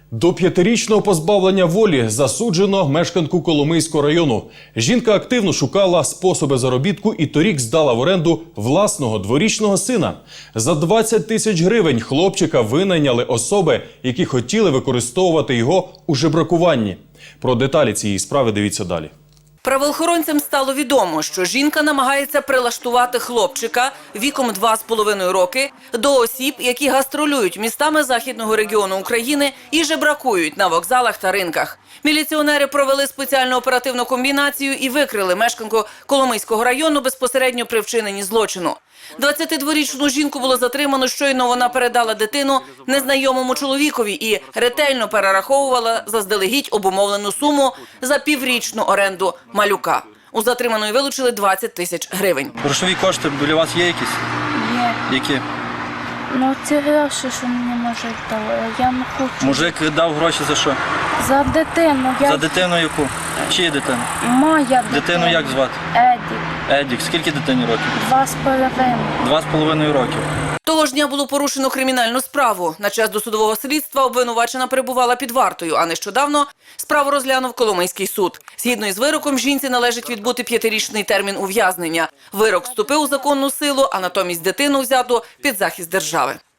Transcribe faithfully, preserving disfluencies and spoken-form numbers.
До п'ятирічного позбавлення волі засуджено мешканку Коломийського району. Жінка активно шукала способи заробітку і торік здала в оренду власного дворічного сина. За двадцять тисяч гривень хлопчика винайняли особи, які хотіли використовувати його у жебракуванні. Про деталі цієї справи дивіться далі. Правоохоронцям стало відомо, що жінка намагається прилаштувати хлопчика віком два з половиною роки до осіб, які гастролюють містами західного регіону України і жебракують на вокзалах та ринках. Міліціонери провели спеціальну оперативну комбінацію і викрили мешканку Коломийського району безпосередньо при вчиненні злочину. двадцятидворічну жінку було затримано, щойно вона передала дитину незнайомому чоловікові і ретельно перераховувала заздалегідь обумовлену суму за піврічну оренду малюка. У затриманої вилучили двадцять тисяч гривень. Грошові кошти біля вас є якісь? Є. Які? Ну, ці гроші, що мені мужик дав, я не хочу. Мужик дав гроші за що? За дитину. Я... За дитину яку? Чиї дитину? Моя дитина. Дитину як звати? Едік. Едік. Скільки дитині років? Два з половиною. Два з половиною років. Того ж дня було порушено кримінальну справу. На час досудового слідства обвинувачена перебувала під вартою, а нещодавно справу розглянув Коломийський суд. Згідно із вироком, жінці належить відбути п'ятирічний термін ув'язнення. Вирок вступив у законну силу, а натомість дитину взято під захист держави.